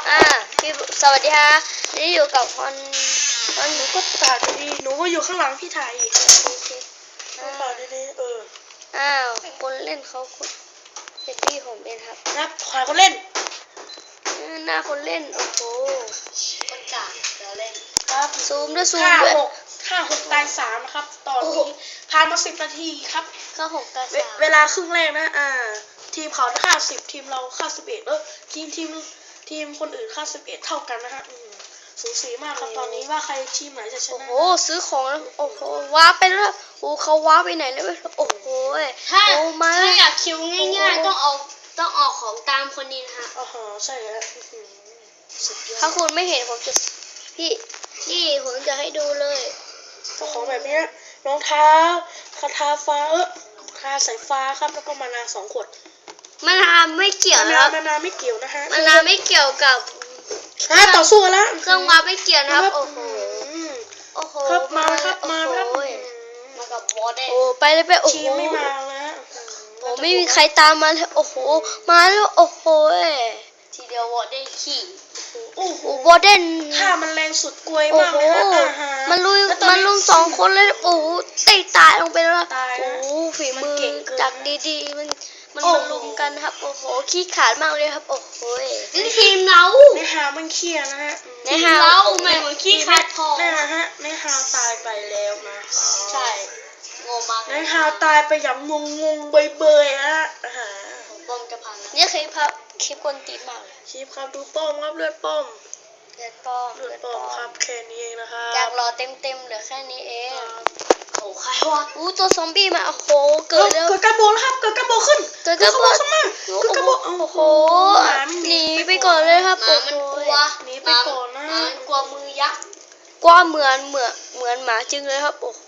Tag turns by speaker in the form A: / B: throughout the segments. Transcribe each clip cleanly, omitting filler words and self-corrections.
A: พี่สวัสดีฮะนี่อยู่กับฮอน
B: หนูก็ถ่ายดีหนูก็อยู่ข้างหลังพี่ถ่ายอีกโอเคถ่ายดี
A: คนเล่นเขาเป็นพี่ผมเองครับ
B: นะถ่ายคนเล่น
A: หน้าคนเล่นโอ้โห
C: คนกลางจะเล่น
B: ครับ
A: ซูมด้วย
B: ห้าหกตาย3นะครับตอนนี้ผ่านมา10 นาทีครับ
A: 6 ตาย 3
B: เวลาครึ่งแรกนะทีมเขาค่า10ทีมเราค่า11ทีมคนอื่นค่า11เท่ากันนะฮะสูสีมากครับตอนนี้ว่าใครทีมไหนจะชนะ
A: โอ้โหซื้อของแล้วโอ้โหว้าไปแล้วโอ้เขาว้าไปไหนแล้วโอ้โห
C: ถ้าอยากคิวง่ายๆต้องเอาของตามคนนี้นะฮะ
B: ใช่แล้ว
A: ถ้าคุณไม่เห็นผมจะพี่ผมจะให้ดูเลย
B: ของแบบนี้รองเท้าคาถาฟ้าคาสายฟ้าครับแล้วก็มานา2 ขวด
A: มานาไม่เกี่ยวนะ
B: มานาไม่เกี่ยวนะฮะ
A: มานาไม่เกี่ยวกับ
B: ต่อสู้กันแล้ว
A: เครื่องว้าไม่เกี่ยวนะครับโอ้โห
B: ครับมาครับมา
C: กับวอเดน
A: โอ้ไปเลยโอ้โห
B: ไม่มาแล้ว
A: โอ้ไม่มีใครตามมาเลยโอ้โหมาแล้วโอ้โห
C: ทีเดียววอเดนขี่
A: โอ้โหวอเดน
B: ถ้ามันแรงสุดกลวยมากเลยฮะ
A: มันลุม2 คนเลยโอ้โหตายลงไปแล้วโอ้โหฝีมือจากดีๆมันลุมกันครับโอ้โหขี้ขาดมากเลยครับโอ้โห
C: นี่ทีมเรา
B: ในหามันเครียดนะฮะ
A: ในหา
C: เราไม่เหมือนขี้ขาดพอ
B: ในหาตายไปแล้วนะ
C: ใช่งงมาก
B: ในหาตายไปอย่างงงเบยๆฮะ
C: ป้อมจะพัง
A: นี่คลิปกวนตีนมากเลย
B: คลิปครับดูป้อมครับเลือดป้อมครับแค่นี้เองนะคะ
A: อยากรอเต็มเหลือแค่นี้เอง
C: โอ้ใครวะ
A: ตัวซอมบี้มาโอ้โหเกิด
B: กระโบแล้วครับเกิดกระโบขึ้น
A: เกิดกระโบ
B: ขึ้นมาเกิดกระโบ
A: โอ้โหหนีไปก่อนเลยครับ
C: มันกลัว
B: หนีไปก่อนนะ
C: กลัวมือยักษ์
A: กว่าเหมือนหมาจริงเลยครับโอ้โห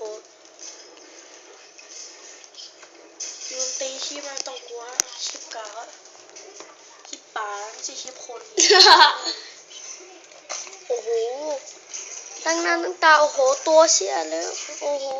B: ยืนตีชีพไม่ต้องกลัวชีพกาชีพป่าไม่ใช่ชีพคน
A: โอ้โหตั้งหน้าตั้งตาโอ้โหตัวเชี่ยเลยโอ้โห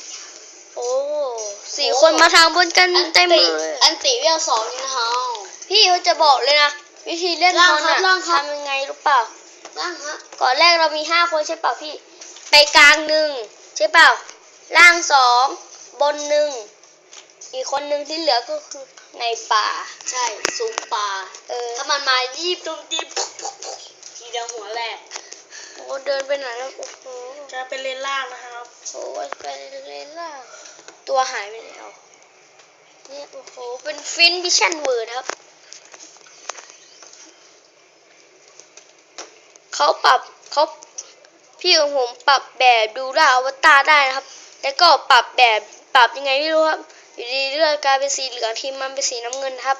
A: 4 คนมาทางบนกันเต็มเลย
C: อันตีเวล2นี่นะฮะ
A: พี่เขาจะบอกเลยนะวิธีเล่นฮอนทำยังไงรู้เปล่าก่อนแรกเรามี5 คนใช่เปล่าพี่ไปกลาง1ใช่เปล่าล่าง2บน1อีกคนนึงที่เหลือก็คือในป่า
C: ใช่สูงป่าถ้ามันมายีบตรงทีเดียวหัวแหลก
A: เดินไปไหนแล้วโอ้โห
B: จะเป็นเลนล่างนะครับ
A: เป็นเลนล่างตัวหายไปแล้วเนี่ยโอ้โหเป็นฟินวิชั่นเวิร์ดครับพี่ของผมปรับแบบดูดาวอวตารได้นะครับแล้วก็ปรับยังไงไม่รู้ครับอยู่ดีเลือดกลายเป็นสีเหลืองทีมมันเป็นสีน้ำเงินครับ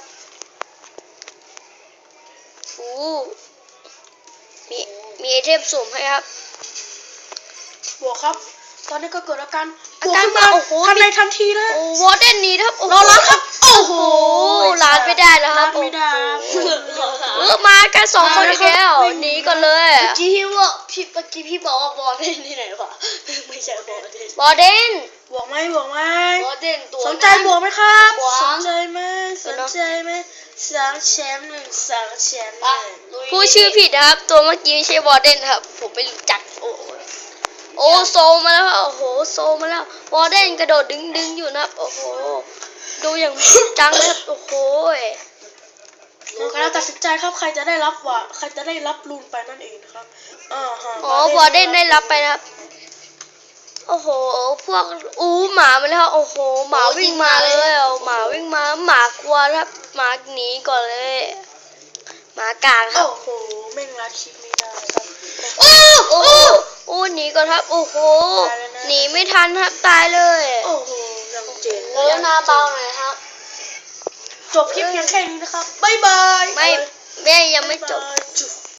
A: มีไอเทมสุ่มให้ครับ
B: บวกครับตอนนี้ก็เกิดอาการมาทันในทันทีเลยว
A: อร์เดนนี้ครับ
B: รอรับครับโอ้โห
A: ลาดไม่ได้แล้วครับ
B: ไม่ได้
A: มากัน2 คนแล้วหนีก่อนเลย
C: เมื่อกี้พี่บอกว่าวอร์เดนที่ไหนวะไม่ใช่วอร์เดน
B: บวกไหม
C: วอร์เดนตัว
B: สนใจบวกไหมครับสนใจไหม2 แชมป์2 แชมป์
A: ผู้ชื่อผิดนะครับตัวเมื่อกี้ไม่ใช่วอร์เดนครับผมไปรู้จักโซมาแล้วโอ้โหโซมาแล้ววอร์เดนกระโดดดึงอยู่นะครับโอ้โหดูอย่างจังเลยโอ้โห
B: เราตัดสินใจครับใครจะได้รับรูนไปนั่นเองนะครับ
A: วอร์เดนได้รับไปนะครับโอ้โหพวกหมามาแล้วโอ้โหหมาวิ่งมาเลยหมากลัวครับหมาหนีก่อนเลยหมากลางครับ
B: โอ้โหแม่งรัดชิปไม่ได้ครับ
A: หนีก่อนครับโอ้โหหนีไม่ทันครับตายเลย
B: โอ้โหยังเจ๋ง
C: แล้วหน้าเบาหน่อยครับ
B: จบคลิปเพียงแค่นี้นะครับบ๊ายบาย
A: ไม่แม่ยังไม่จบ